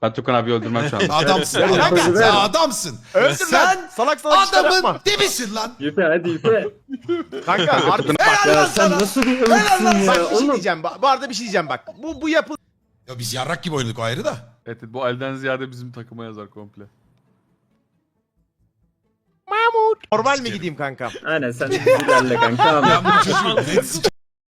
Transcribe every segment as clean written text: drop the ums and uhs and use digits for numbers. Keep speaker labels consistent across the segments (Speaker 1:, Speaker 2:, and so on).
Speaker 1: Ben Tukan abi öldürmem şu anda.
Speaker 2: Adamsın. Kanka sen adamsın.
Speaker 3: Öldür
Speaker 2: Sen
Speaker 3: lan. Salak salak işler
Speaker 2: adamın
Speaker 3: yapma.
Speaker 2: dibisin lan.
Speaker 4: Yüpe hadi yüpe.
Speaker 3: Kanka harbi.
Speaker 2: Helal lan
Speaker 4: Ya sen
Speaker 2: sana.
Speaker 4: nasıl bir
Speaker 2: Helal lan
Speaker 4: ırksın
Speaker 3: Bak
Speaker 4: ya
Speaker 3: bir şey
Speaker 4: oğlum.
Speaker 3: diyeceğim. Bu arada bir şey diyeceğim bak. Bu yapı
Speaker 2: Ya biz yarrak gibi oynadık o ayrı da.
Speaker 1: Evet bu elden ziyade bizim takıma yazar komple.
Speaker 3: normal mi gideyim kanka?
Speaker 4: Aynen sen ilerle kanka.
Speaker 2: Ben bu çocuğu net s***.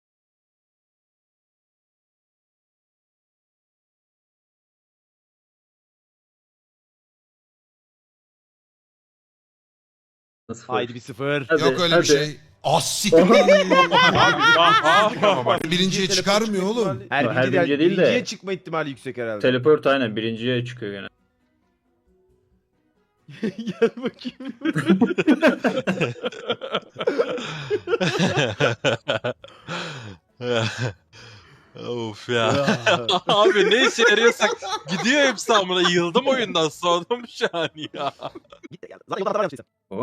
Speaker 3: Haydi bir sıfır.
Speaker 4: Hadi,
Speaker 2: Yok öyle
Speaker 4: hadi.
Speaker 2: bir şey. As Birinciye çıkarmıyor oğlum.
Speaker 3: Her
Speaker 4: birinci değil de-
Speaker 3: birinciye çıkma ihtimali yüksek herhalde.
Speaker 4: Teleport aynen birinciye çıkıyor gene.
Speaker 3: Gel bakayım.
Speaker 5: Of ya. Abi ne işe yarıyorsak gidiyor hepsi amına. Yıldım oyundan soğudum şu an ya.
Speaker 3: Git gel. Zaten yolda yapmışsın.
Speaker 4: Oh.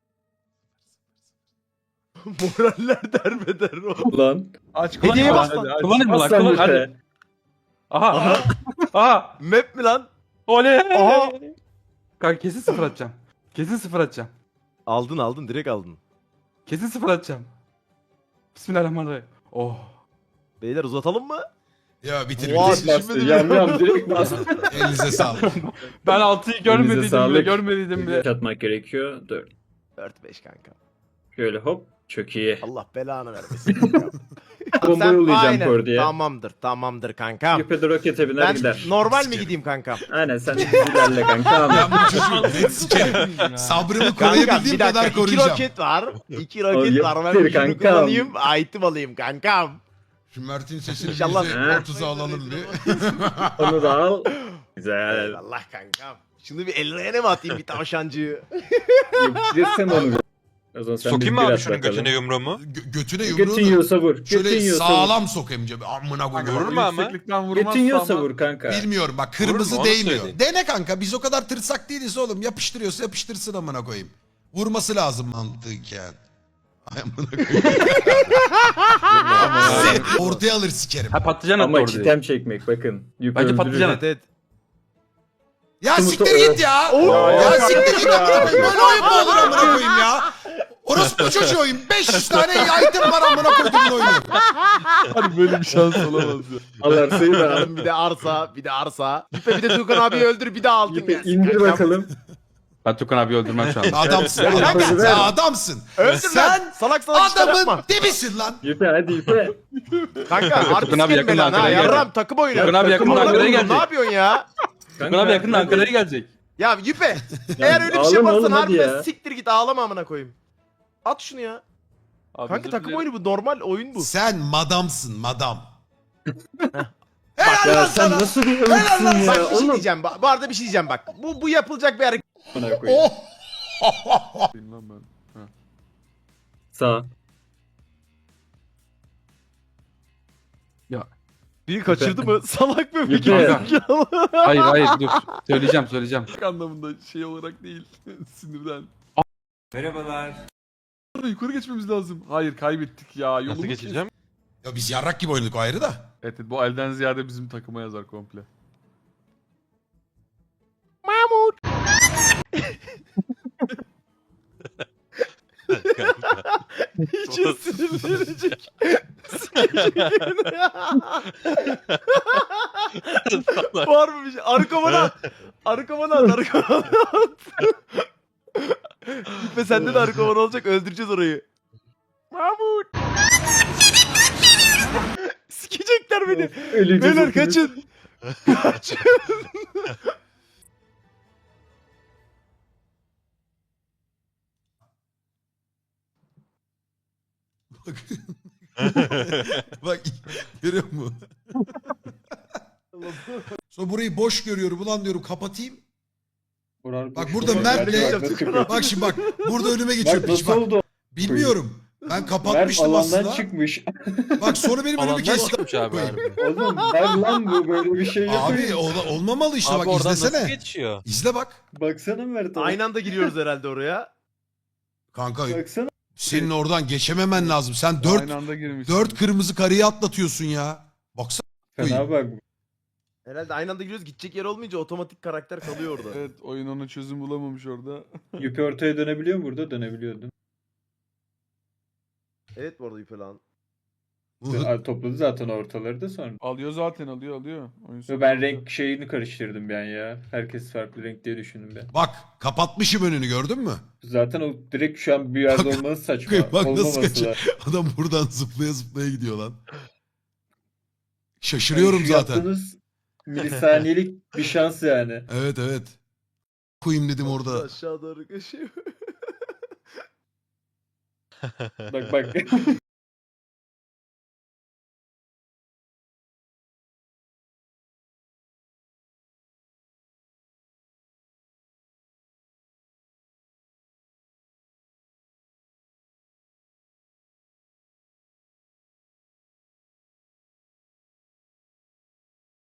Speaker 3: Moraller derbeder o.
Speaker 4: Ulan.
Speaker 1: Aç
Speaker 3: Hediyeye bas lan.
Speaker 1: Kullanayım mı lan?
Speaker 4: Aslan
Speaker 1: Kullan hadi.
Speaker 4: yüpe.
Speaker 1: Aha. Aha.
Speaker 3: Map mi lan?
Speaker 1: Oley.
Speaker 3: Aha.
Speaker 1: Kanka kesin sıfır atacağım. Kesin sıfır atacağım.
Speaker 3: Aldın direkt aldın.
Speaker 1: Kesin sıfır atacağım. Bismillahirrahmanirrahim. Oh.
Speaker 3: Beyler uzatalım mı?
Speaker 2: Ya bitir
Speaker 3: Oha,
Speaker 2: bitir.
Speaker 4: Bastı yam direkt bastı.
Speaker 2: Elinize sağlık.
Speaker 1: Ben 6'yı görmediydim bile,
Speaker 4: sağlık.
Speaker 1: görmediydim bile.
Speaker 4: Çatmak gerekiyor. 4.
Speaker 3: 4-5 kanka.
Speaker 4: Şöyle hop. Çok iyi.
Speaker 3: Allah belanı vermesin kanka.
Speaker 4: Bomba yollayacağım
Speaker 3: aynen.
Speaker 4: kor diye.
Speaker 3: Tamamdır kanka.
Speaker 4: Yüpe de rokete biner
Speaker 3: Ben
Speaker 4: gider.
Speaker 3: normal mi gideyim kanka?
Speaker 4: Aynen sen ilerle kanka.
Speaker 2: Ben bu çocuğu net sikerim. Sabrımı koruyabildiğim kadar
Speaker 3: iki
Speaker 2: koruyacağım.
Speaker 3: roket var. 2 roket var. Ben
Speaker 4: yaptır
Speaker 3: birini
Speaker 4: kankam.
Speaker 3: kullanayım. Item alayım kankam.
Speaker 2: Şu Mert'in sesini
Speaker 3: İnşallah.
Speaker 2: %30'a alalım bir.
Speaker 4: Onu da al. Güzel.
Speaker 3: Allah kankam. Şunu bir ellerine mi atayım bir tavşancığı?
Speaker 4: Yapıştırırsan onu. O zaman sen
Speaker 5: Sokayım mı
Speaker 4: bir
Speaker 5: abi
Speaker 4: at
Speaker 5: şunun
Speaker 4: bakalım.
Speaker 5: götüne yumruğumu?
Speaker 2: Götüne
Speaker 4: Götün
Speaker 2: yumruğunu
Speaker 4: yiyorsa vur. Götün
Speaker 2: şöyle
Speaker 4: yiyorsa vur.
Speaker 2: sağlam sokayım cebe. Amına
Speaker 5: Vurur
Speaker 2: koyuyorum.
Speaker 5: mu ama?
Speaker 1: Yükseklikten vurmazsa
Speaker 4: Götün yiyorsa
Speaker 1: ama-
Speaker 4: vur kanka.
Speaker 2: Bilmiyorum bak kırmızı
Speaker 5: Onu
Speaker 2: değmiyor.
Speaker 5: söyle.
Speaker 2: Dene kanka biz o kadar tırsak değiliz oğlum. Yapıştırıyorsa yapıştırsın amına koyayım. Vurması lazım mantıken. Ay amına koyayım. Ortaya alır sikerim.
Speaker 1: Ha patlıcan attı
Speaker 4: Ama
Speaker 1: orada.
Speaker 4: çitem çekmek bakın. Yüpe
Speaker 1: Bence
Speaker 4: öldürür.
Speaker 1: patlıcan at.
Speaker 3: Evet.
Speaker 2: Ya
Speaker 4: Sımırtı-
Speaker 2: siktir git ya. Ya siktir git amına koyayım. Böyle oyun mu olur amına koyayım ya. Orospu çocuğu oyun. 500 tane item var amına koyduğumun oyunu.
Speaker 1: Hadi böyle bir şans olamaz ya.
Speaker 4: Al arsayı da al.
Speaker 3: Bir de arsa. Bir de Tukan abiyi öldür bir de altın
Speaker 4: Yüpe
Speaker 3: gelsin.
Speaker 4: indir
Speaker 3: kankam.
Speaker 4: bakalım.
Speaker 1: Ben Tukan abi öldürmem şu anda.
Speaker 2: Adamsın.
Speaker 4: Evet,
Speaker 2: Kanka
Speaker 4: evet.
Speaker 2: sen adamsın.
Speaker 3: Öldür
Speaker 2: Sen
Speaker 3: lan. Salak salak işler
Speaker 2: adamın
Speaker 3: yapma.
Speaker 2: dibisin lan.
Speaker 4: Yüpe hadi yüpe.
Speaker 3: Kanka
Speaker 1: Tukan
Speaker 3: artist
Speaker 1: abi
Speaker 3: gelme
Speaker 1: yakında
Speaker 3: lan ha.
Speaker 1: Ankara'ya
Speaker 3: Yarram
Speaker 1: gelecek.
Speaker 3: takım oyunu.
Speaker 1: Tukan abi yakında
Speaker 3: Takım
Speaker 1: Ankara'ya
Speaker 3: oyunu.
Speaker 1: gelecek.
Speaker 3: Ne yapıyorsun ya?
Speaker 1: Tukan abi yakında Ankara'ya gelecek.
Speaker 3: Ya Yüpe. Eğer öyle bir şey
Speaker 4: ağlama
Speaker 3: yaparsan
Speaker 4: oğlum, hadi
Speaker 3: harbiden
Speaker 4: ya.
Speaker 3: siktir git ağlama amına koyayım. At şunu ya.
Speaker 1: Abi,
Speaker 3: Kanka
Speaker 1: özür
Speaker 3: takım
Speaker 1: dilerim.
Speaker 3: oyunu bu normal oyun bu.
Speaker 2: Sen madamsın madam.
Speaker 3: Bak
Speaker 2: Helal
Speaker 4: Ya
Speaker 2: lan
Speaker 4: sen
Speaker 2: sana.
Speaker 4: nasıl bir
Speaker 2: Helal lan
Speaker 4: ırksın
Speaker 3: Bak
Speaker 4: ya
Speaker 3: bir şey
Speaker 4: oğlum.
Speaker 3: diyeceğim. Bu arada bir şey diyeceğim bak. Bu yapılacak bir hareket.
Speaker 4: Bana koyayım.
Speaker 2: Oh.
Speaker 1: Lan ben.
Speaker 4: Sağ.
Speaker 3: Biri kaçırdı mı? Salak mı?
Speaker 4: Yüpe.
Speaker 1: Hayır dur. Söyleyeceğim. Anlamında şey olarak değil. Sinirden.
Speaker 5: Merhabalar.
Speaker 1: Yukarı geçmemiz lazım. Hayır kaybettik ya. Yolumuz
Speaker 5: Nasıl geçeceğim?
Speaker 2: Ya biz yarrak gibi oynadık o ayrı da.
Speaker 1: Evet bu elden ziyade bizim takıma yazar komple.
Speaker 3: Hiç sinirlenecek. Var mı bir şey? Arı kovanı at. Ve sende de arı kovanı olacak. Öldüreceğiz orayı. Mahmut. Sikecekler beni.
Speaker 4: Öleceğiz
Speaker 3: Beyler
Speaker 4: hepimiz.
Speaker 3: kaçın. Kaçın.
Speaker 2: Bak. Bak görüyor musun? Sonra burayı boş görüyorum. Ulan diyorum kapatayım. Bak burada Mert'le bak şimdi bak burada önüme geçiyor
Speaker 4: Mert
Speaker 2: piç
Speaker 4: nasıl
Speaker 2: bak.
Speaker 4: oldu?
Speaker 2: Bilmiyorum. Ben
Speaker 4: Mert
Speaker 2: kapatmıştım
Speaker 4: alandan
Speaker 2: aslında.
Speaker 4: çıkmış.
Speaker 2: Bak sonra benim önümü
Speaker 5: Alandan
Speaker 2: kesti.
Speaker 5: çıkmış abi harbi.
Speaker 4: Oğlum ben lan bu böyle bir şey yapıyor.
Speaker 2: Abi olmamalı işte
Speaker 5: Abi
Speaker 2: bak
Speaker 5: oradan nasıl
Speaker 2: izlesene.
Speaker 5: geçiyor?
Speaker 2: İzle bak.
Speaker 4: Baksana Mert.
Speaker 3: Aynı anda giriyoruz herhalde oraya.
Speaker 2: Kanka
Speaker 4: Baksana.
Speaker 2: senin oradan geçememen lazım. Sen 4
Speaker 1: Aynı anda girmiş.
Speaker 2: 4 kırmızı kareyi atlatıyorsun ya. Baksana.
Speaker 4: Fena bak.
Speaker 3: Herhalde aynı anda giriyoruz, gidecek yer olmayınca otomatik karakter kalıyor orada.
Speaker 1: Evet oyun ona çözüm bulamamış orada.
Speaker 4: Yüpe ortaya dönebiliyor mu burada? Dönebiliyordum.
Speaker 3: Evet bu arada Yüpe lan.
Speaker 4: Topladı zaten ortaları da sonra.
Speaker 1: Alıyor zaten alıyor. Oyun sonu
Speaker 4: Ben
Speaker 1: alıyor.
Speaker 4: renk şeyini karıştırdım ben ya. Herkes farklı renk diye düşündüm ben.
Speaker 2: Bak kapatmışım önünü gördün mü?
Speaker 4: Zaten o direkt şu an bir yerde olması saçma.
Speaker 2: Bak nasıl
Speaker 4: Olmaması
Speaker 2: kaçıyor.
Speaker 4: lazım.
Speaker 2: Adam buradan zıplaya zıplaya gidiyor lan. Şaşırıyorum
Speaker 4: Şu
Speaker 2: zaten.
Speaker 4: yaptığınız milisaniyelik bir şans yani.
Speaker 2: Evet. Koyayım dedim orada.
Speaker 3: Aşağı doğru kaçıyor.
Speaker 4: Bak.